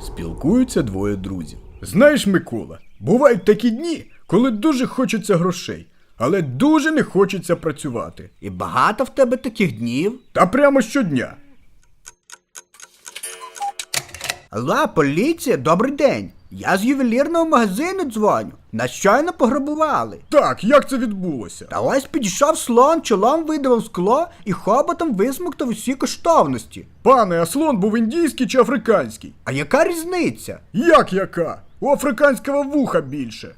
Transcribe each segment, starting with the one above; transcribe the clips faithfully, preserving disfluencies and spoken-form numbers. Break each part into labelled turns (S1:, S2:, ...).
S1: Спілкуються двоє друзів. Знаєш, Микола, бувають такі дні, коли дуже хочеться грошей, але дуже не хочеться працювати.
S2: І багато в тебе таких днів?
S1: Та прямо щодня.
S2: Алло, поліція, добрий день. Я з ювелірного магазину дзвоню. Нас щойно пограбували.
S1: Так, як це відбулося?
S2: Та ось підійшов слон, чолом видавав скло і хоботом висмоктав усі коштовності.
S1: Пане, а слон був індійський чи африканський?
S2: А яка різниця?
S1: Як яка? У африканського вуха більше.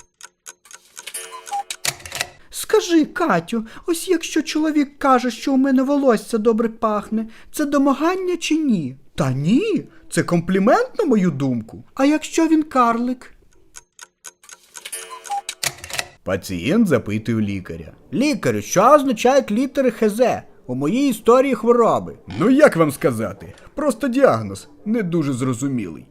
S2: Скажи, Катю, ось якщо чоловік каже, що у мене волосся добре пахне, це домагання чи ні?
S1: Та ні, це комплімент на мою думку.
S2: А якщо він карлик?
S1: Пацієнт запитує у лікаря.
S2: Лікарю, що означають літери ХЗ у моїй історії хвороби?
S1: Ну як вам сказати? Просто діагноз не дуже зрозумілий.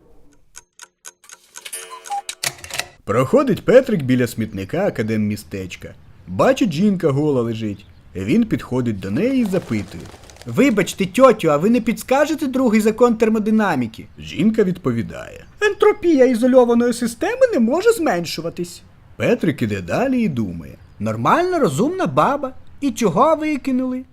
S1: Проходить Петрик біля смітника академмістечка. Бачить, жінка гола лежить. Він підходить до неї і запитує.
S2: Вибачте, тьотю, а ви не підскажете другий закон термодинаміки?
S1: Жінка відповідає.
S2: Ентропія ізольованої системи не може зменшуватись.
S1: Петрик іде далі і думає.
S2: Нормальна, розумна баба. І чого викинули?